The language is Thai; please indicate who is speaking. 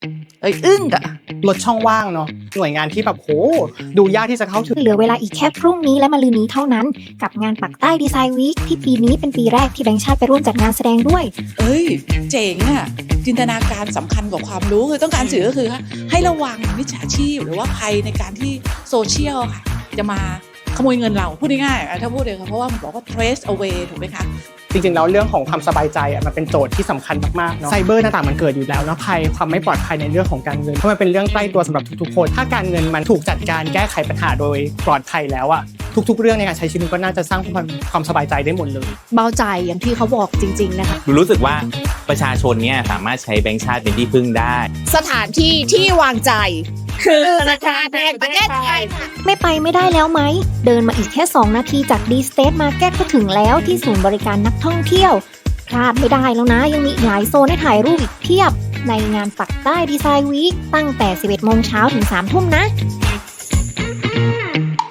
Speaker 1: อึ้งอะ
Speaker 2: ลดช่องว่างเนาะหน่วยงานที่แบบโหดูยากที่จะเข้าถึง
Speaker 3: เหลือเวลาอีกแค่พรุ่งนี้และมะรืนนี้เท่านั้นกับงานปักใต้ดีไซน์วีคที่ปีนี้เป็นปีแรกที่แบงค์ชาติไปร่วมจัดงานแสดงด้วย
Speaker 1: เจ๋งอะจินตนาการสำคัญกว่าความรู้คือต้องการสื่อก็คือให้ระวังมิจฉาชีพหรือว่าภัยในการที่โซเชียลค่ะจะมาขโมยเงินเราพูดง่ายๆถ้าพูดเลยค่ะเพราะว่ามันบอกว่า trace away ถูกไหมคะ
Speaker 2: จริงๆแล้วเรื่องของความสบายใจมันเป็นโจทย์ที่สำคัญมากๆเนาะไซเบอร์ต่างๆมันเกิดอยู่แล้วนะภัยความไม่ปลอดภัยในเรื่องของการเงินเพราะมันเป็นเรื่องใกล้ตัวสำหรับทุกๆคนถ้าการเงินมันถูกจัดการแก้ไขปัญหาโดยปลอดภัยแล้วอะทุกๆเรื่องในการใช้ชีวิตก็น่าจะสร้างความสบายใจได้หมดเลย
Speaker 4: เบาใจอย่างที่เขาบอกจริงๆนะคะ
Speaker 5: รู้สึกว่าประชาชนเนี่ยสามารถใช้แบงก์ชาติเป็นที่พึ่งได้
Speaker 4: สถานที่ที่วางใจคือธนาคารแห่งประเทศไทย
Speaker 3: ไม่ไปไม่ได้แล้วไหมเดินมาอีกแค่2นาทีจาก D State Market ก็ถึงแล้วที่ศูนย์บริการนักท่องเที่ยวพลาดไม่ได้แล้วนะยังมีอีกหลายโซนให้ถ่ายรูปอีกเพียบในงานปักใต้ดีไซน์วีคตั้งแต่ 11 โมงเช้าถึง 3 ทุ่มนะ